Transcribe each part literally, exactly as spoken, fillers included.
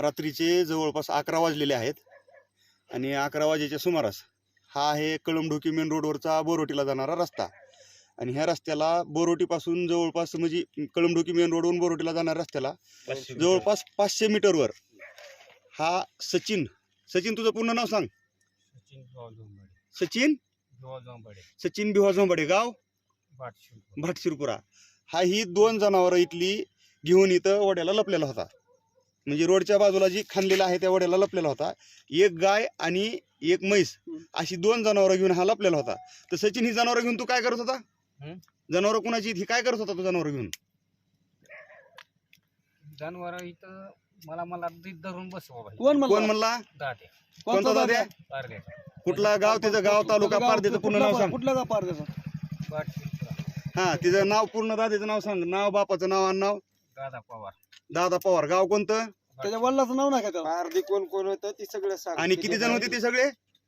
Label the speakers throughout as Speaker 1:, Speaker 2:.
Speaker 1: रात्रीचे जवळपास अकरा वाजलेले आहेत आणि अकरा वाजेच्या सुमारास हा आहे कळमढोकी मेन रोडवरचा बोरोटीला जाणारा रस्ता आणि ह्या रस्त्याला बोरोटीपासून जवळपास म्हणजे कळमढोकी मेन रोडवरून बोरोटीला जाणाऱ्या रस्त्याला जवळपास पाचशे मीटरवर हा सचिन सचिन तुझं पूर्ण नाव सांग. सचिन सचिन भिवा झोंबाडे गाव भाटशिरपुरा हा ही दोन जनावरं इथली घेऊन इथं वड्याला लपलेला होता. म्हणजे रोडच्या बाजूला जी खांदलेला आहे त्या वड्याला लपलेला होता. एक गाय आणि एक म्हैस अशी दोन जनावरं घेऊन हा लपलेला होता. तर सचिन ही जनावरं घेऊन तू काय करत होता? जनावरं कुणाची ही काय करत होता तू जनावरं घेऊन?
Speaker 2: जनावर इथं मला मला धरून बसवा.
Speaker 1: कोण कोण म्हणला?
Speaker 2: दादे.
Speaker 1: कोणता दाद्या? कुठला गाव? त्याचं गाव तालुका पारदेचं पूर्ण नाव सांग.
Speaker 3: कुठलं गाव पारदेचं?
Speaker 1: हा तिचं नाव पूर्ण दाद्याचं नाव सांग. नाव बापाचं नाव आणि नाव?
Speaker 2: दादा पवार.
Speaker 1: दादा पवार. गाव कोणतं?
Speaker 3: त्याच्या वडिलाचं नाव नाही का त्याला?
Speaker 4: पारधी कोण कोण होतं ती सगळं सांग.
Speaker 1: आणि किती जण होते ते सगळे?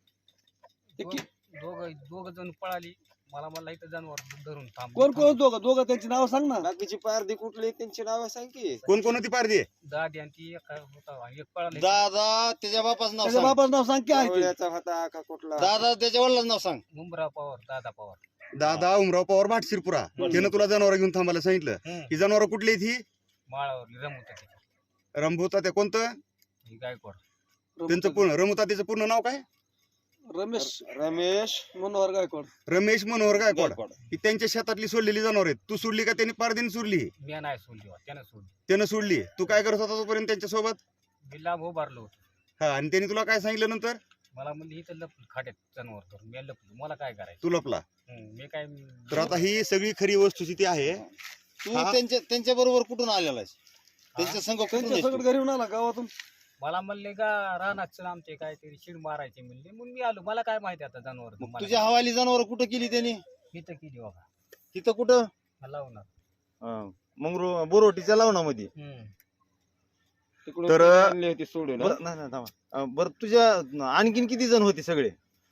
Speaker 2: दोघ दोघ जण पळाली. मला मला इथं जनावर धरून थांब.
Speaker 3: कोण कोण दोघं दोघं त्यांची नाव सांग ना.
Speaker 4: बाकीची पारधी कुठली त्यांची नाव सांग की.
Speaker 1: कोण कोण होती पारधी?
Speaker 2: दादी आणि ती एक होता एक पळाली.
Speaker 5: दादा त्याच्या बापाचं नाव
Speaker 3: त्याच्या
Speaker 5: सांग.
Speaker 3: बापाचं नाव सांग की आहे ते.
Speaker 4: आवळ्याचा होता का कुठला?
Speaker 5: दादा त्याच्या वडिलांचं नाव सांग.
Speaker 2: मुंबरा पवार. दादा पवार.
Speaker 1: दादा उमराव पवार भाटशिरपुरा. त्यानं तुला जनावर घेऊन थांबायला सांगितलं. ही जनावर कुठली आहेत ही?
Speaker 2: माळावर रमवत
Speaker 1: रंभूता ते कोणतं?
Speaker 2: गायकवाड.
Speaker 1: त्यांचं पूर्ण रमुता त्याचं पूर्ण नाव काय?
Speaker 3: रमेश
Speaker 4: रमेश
Speaker 3: मनोहर गायकवाड.
Speaker 1: रमेश मनोहर गायकवाड. ही त्यांच्या शेतातली सोडलेली जनावर आहेत. तू सोडली का त्यांनी पारदीने सोडली?
Speaker 2: मी नाही सोडली. त्यानं सोडली.
Speaker 1: त्यानं सोडली. तू काय करत होता तोपर्यंत त्यांच्या सोबत?
Speaker 2: मी लांब उभारलो होतो.
Speaker 1: हा आणि त्यांनी तुला काय सांगितलं नंतर?
Speaker 2: मला म्हणली इथं लपलं खाट्यात जनावर धरून. मी लपलो. मला काय करायचं?
Speaker 1: तू लपला.
Speaker 2: मी काय.
Speaker 1: तर आता ही सगळी खरी वस्तुस्थिती आहे.
Speaker 5: तू त्यांच्या त्यांच्या बरोबर कुठून आलेला आहेस? त्यांच्या संघ कुठून
Speaker 3: त्यांच्या
Speaker 5: आहेस
Speaker 3: सगळं
Speaker 5: तू?
Speaker 3: घरी येऊन आला गावातून.
Speaker 2: मला म्हणले का रानात चल आमचे काहीतरी शिड मारायचे म्हणले. म्हणून मी आलो. मला काय माहिती आता जनावर
Speaker 5: मग तुझ्या हवाली जनावर कुठं केली त्यांनी?
Speaker 2: इथं केली बाबा.
Speaker 5: तिथं कुठं?
Speaker 2: लावणार.
Speaker 5: हा, मग रो- बोरोटीच्या लावणामध्ये.
Speaker 4: तिकडून
Speaker 1: तर-
Speaker 4: कोणी आणली होती सोडून.
Speaker 5: बरं नाही नाही थांबा. अं, बरं तुझ्या आणखीन किती जण होते सगळे?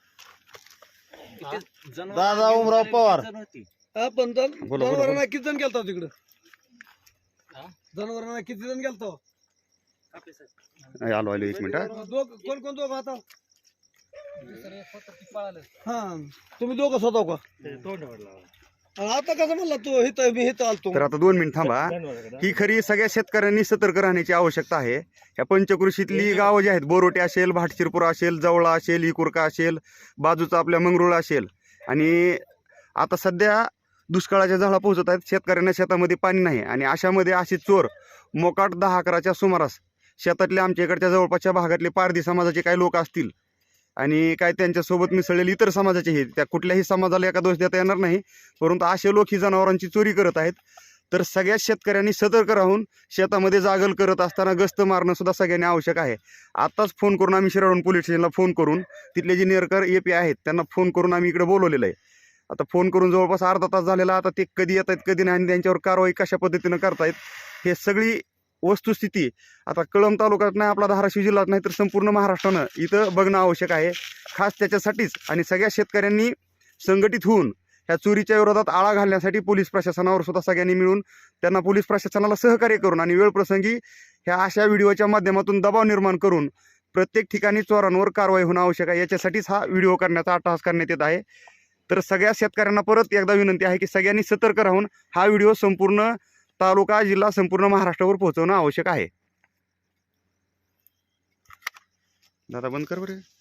Speaker 5: दादा उमराव पवार.
Speaker 3: हा पण जन-
Speaker 1: बोला, बोला.
Speaker 3: जनावरांना किती जण गेलता तिकडं?
Speaker 2: हा?
Speaker 3: जनावरांना किती जण गेलतो?
Speaker 1: आलो आलो एक मिनिट हा.
Speaker 3: दोघ कोण कोण दोघं आता?
Speaker 2: दुसरं एक होतं ते पळालं.
Speaker 3: हा तुम्ही दोघं स्वतः का? आणि आता कसं म्हणला तू हिथं मी हिथं आलतो?
Speaker 1: तर आता दोन मिनिट थांबा. ही खरी सगळ्या शेतकऱ्यांनी सतर्क राहण्याची आवश्यकता आहे. या पंचकृषीतली गावं जी आहेत, बोरोटे असेल, भाटशिरपुरा असेल, जवळा असेल, इकुरका असेल, बाजूचा आपल्या मंगरुळ असेल आणि आता सध्या दुष्काळाच्या झाडा पोहोचत आहेत. शेतकऱ्यांना शेतामध्ये पाणी नाही आणि अशामध्ये असे चोर मोकाट दहा अकराच्या सुमारास शेतातले आमच्या इकडच्या जवळपासच्या भागातले पारधी समाजाचे काही लोक असतील आणि काय त्यांच्यासोबत मिसळलेले इतर समाजाचे हे, त्या कुठल्याही समाजाला एका दोष देता येणार नाही, परंतु असे लोक ही जनावरांची चोरी करत आहेत. तर सगळ्या शेतकऱ्यांनी सतर्क राहून शेतामध्ये जागल करत असताना गस्त मारणं सुद्धा सगळ्यांनी आवश्यक आहे. आत्ताच फोन करून आम्ही शिराळून पोलीस स्टेशनला फोन करून तिथले जे नेरकर ए पी आहेत त्यांना फोन करून आम्ही इकडे बोलवलेलं आहे. आता फोन करून जवळपास अर्धा तास झालेला. आता ते कधी येत आहेत कधी नाही आणि त्यांच्यावर कारवाई कशा पद्धतीनं करतायत हे सगळी वस्तुस्थिती आता कळंब तालुक्यात नाही, आपला धाराशिव जिल्ह्यात नाही तर संपूर्ण महाराष्ट्रानं इथं बघणं आवश्यक आहे. खास त्याच्यासाठीच आणि सगळ्या शेतकऱ्यांनी संघटित होऊन ह्या चोरीच्या विरोधात आळा घालण्यासाठी पोलीस प्रशासनावर सुद्धा सगळ्यांनी मिळून त्यांना पोलीस प्रशासनाला सहकार्य करून आणि वेळप्रसंगी ह्या अशा व्हिडिओच्या माध्यमातून दबाव निर्माण करून प्रत्येक ठिकाणी चोरांवर कारवाई होणं आवश्यक आहे. याच्यासाठीच हा व्हिडिओ करण्याचा अट्टहास करण्यात येत आहे. तर सगळ्या शेतकऱ्यांना परत एकदा विनंती आहे की सगळ्यांनी सतर्क राहून हा व्हिडिओ संपूर्ण तालुका जिल्हा संपूर्ण महाराष्ट्रावर पोहोचवणं आवश्यक आहे. दादा बंद कर बरं.